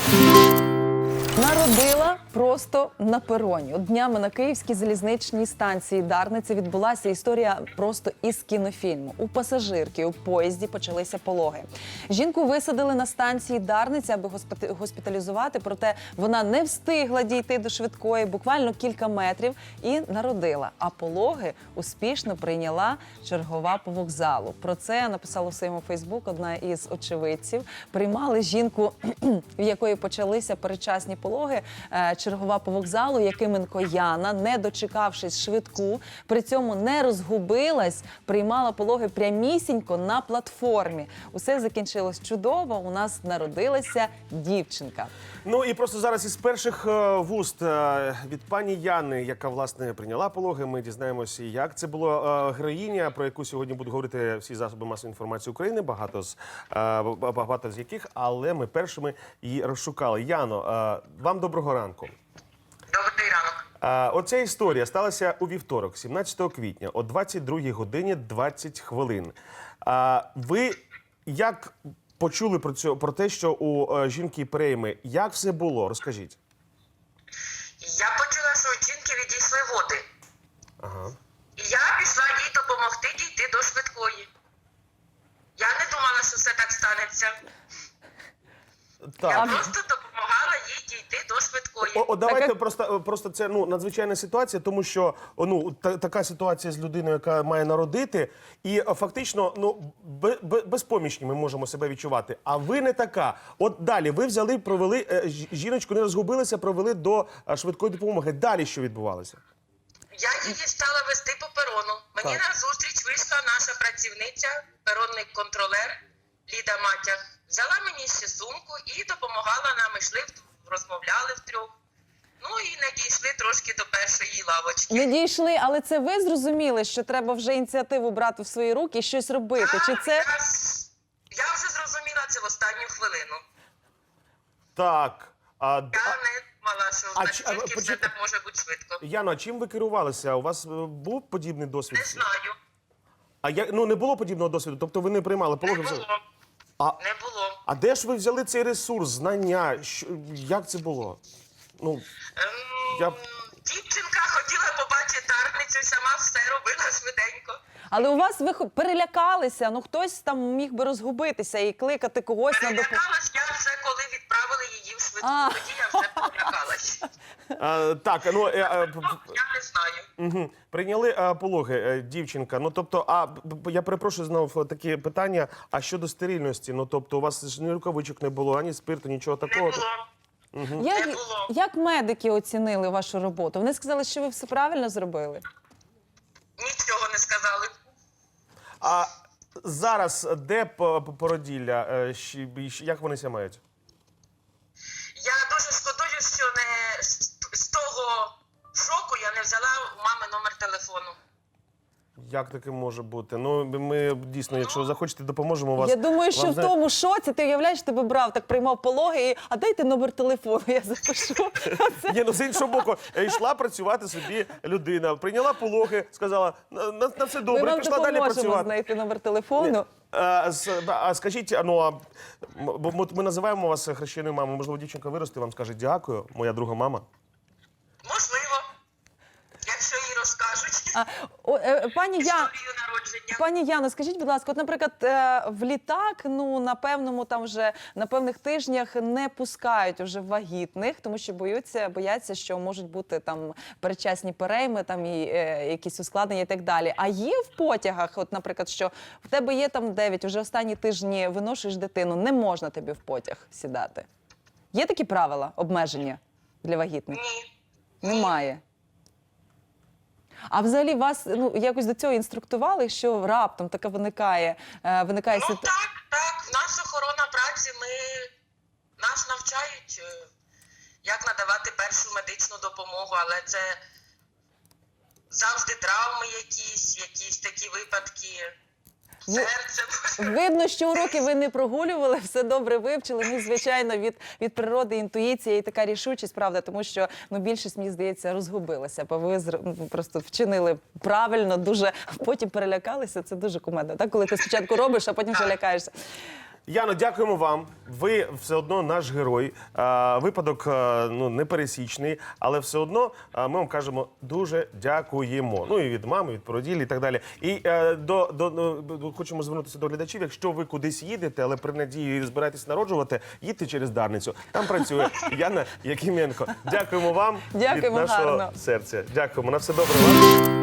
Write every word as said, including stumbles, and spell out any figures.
Народила просто на пероні. От днями на Київській залізничній станції Дарниця відбулася історія просто із кінофільму. У пасажирки у поїзді почалися пологи. Жінку висадили на станції Дарниця, аби госпіталізувати, проте вона не встигла дійти до швидкої, буквально кілька метрів, і народила. А пологи успішно прийняла чергова по вокзалу. Про це написала у своєму Фейсбук одна із очевидців. Приймали жінку, в якої почалися передчасні пологи, чергова по вокзалу, Якименко Яна, не дочекавшись швидку, при цьому не розгубилась, приймала пологи прямісінько на платформі. Усе закінчилось чудово, у нас народилася дівчинка. Ну і просто зараз із перших вуст від пані Яни, яка, власне, прийняла пологи, ми дізнаємося, як це було. Героїня, про яку сьогодні будуть говорити всі засоби масової інформації України, багато з, багато з яких, але ми першими її розшукали. Яно, вам доброго ранку. Добрий ранок. А, оця історія сталася у вівторок, сімнадцятого квітня, о двадцять другій годині двадцять хвилин. А, ви як почули про, цю, про те, що у а, жінки перейми? Як все було? Розкажіть. Я почула, що у жінки відійшли води. Ага. І я пішла їй допомогти дійти до швидкої. Я не думала, що все так станеться. Так. Я просто допомагала їй дійти до швидкої. О, о, давайте Так, просто, просто це ну, надзвичайна ситуація, тому що ну, та, така ситуація з людиною, яка має народити, і фактично ну, бе, бе, безпомічні ми можемо себе відчувати. А ви не така. От далі ви взяли, провели, е, жіночку не розгубилися, провели до е, швидкої допомоги. Далі що відбувалося? Я її стала вести по перону. Мені Так. на зустріч вийшла наша працівниця, перонний контролер Ліда Матяг. Взяла мені ще сумку і допомагала нам. Ми йшли, розмовляли втрьох. Ну і не дійшли трошки до першої лавочки. Не дійшли, але це ви зрозуміли, що треба вже ініціативу брати в свої руки і щось робити? Чи це... Я, я вже зрозуміла це в останню хвилину. Так. А, Я не думала, що А настільки чи- а, все почекай. так може бути швидко. Яно, а чим ви керувалися? У вас е, був подібний досвід? Не знаю. А я, ну, не було подібного досвіду? Тобто ви не приймали Не пологи? було. взагалі? А, Не було. а де ж ви взяли цей ресурс, знання? Що, як це було? Ну, Ем, Я- Дівчинка хотіла побачити Дарницю і сама все робила швиденько. Але у вас ви хо- перелякалися, ну хтось там міг би розгубитися і кликати когось на допомогу. Перелякалась я вже, коли відправили її в швидку. А. Тоді я вже перелякалась. а, так, ну, е, е, п- Ну, я не знаю. Угу. Прийняли а, пологи, е, дівчинка. Ну, тобто, а б- б- я перепрошую знову такі питання. А щодо стерильності? Ну, тобто, у вас ж ні рукавичок не було, ані спирту, нічого Не такого. було. Як, Не було. як медики оцінили вашу роботу? Вони сказали, що ви все правильно зробили? Нічого не сказали. А зараз де п- п- породілля? Е, щ- щ- Як вони ся мають? Я дуже шкодую, що не з, з того шоку я не взяла у мами номер телефону. Як таке може бути? Ну, ми дійсно, якщо захочете, допоможемо вас. Я думаю, що вам, в знаєте, тому шоці, ти уявляєш, тебе брав, так приймав пологи, і, а дайте номер телефону, я запишу. Це- Ні, ну з іншого боку, е, йшла працювати собі людина, прийняла пологи, сказала, на, на, на все Ми добре, вам пішла далі допоможемо працювати. знайти номер телефону. А, с- а скажіть, а, ну, а, м- бо ми- ми називаємо вас хрещеною мамою, можливо, дівчинка виросте, вам скаже дякую, моя друга мама. Можливо, якщо їй розкажуть А, о, е, пані Я... історію народження. Пані Яно, скажіть, будь ласка, от, наприклад, е, в літак, ну, на певному там вже, на певних тижнях не пускають вже вагітних, тому що боються, бояться, що можуть бути там передчасні перейми, там і е, якісь ускладнення і так далі. А є в потягах, от, наприклад, що в тебе є там дев'ять, вже останні тижні виношуєш дитину, не можна тобі в потяг сідати. Є такі правила, обмеження для вагітних? Ні. Немає. А взагалі вас ну, якось до цього інструктували, що раптом така виникає, е, виникає Ну ситуація? так, так. Наша охорона праці, ми нас навчають, е, як надавати першу медичну допомогу, але це завжди травми якісь, якісь такі випадки. Серце. Видно, що уроки ви не прогулювали, все добре вивчили. Ну, звичайно, від, від природи інтуїція і така рішучість, правда, тому що ну, більшість, мені здається, розгубилася, бо ви зр- ну, просто вчинили правильно, дуже, потім перелякалися, це дуже кумедно, так? Коли ти спочатку робиш, а потім вже лякаєшся. Яно, дякуємо вам. Ви все одно наш герой. А, випадок а, ну, непересічний, але все одно а, ми вам кажемо дуже дякуємо. Ну і від мами, від породілі і так далі. І е, до, до, до, хочемо звернутися до глядачів. Якщо ви кудись їдете, але при надії збираєтесь народжувати, їдьте через Дарницю. Там працює Яна Якименко. Дякуємо вам Дякуємо, від нашого гарно. серця. Дякуємо. На все добре вам.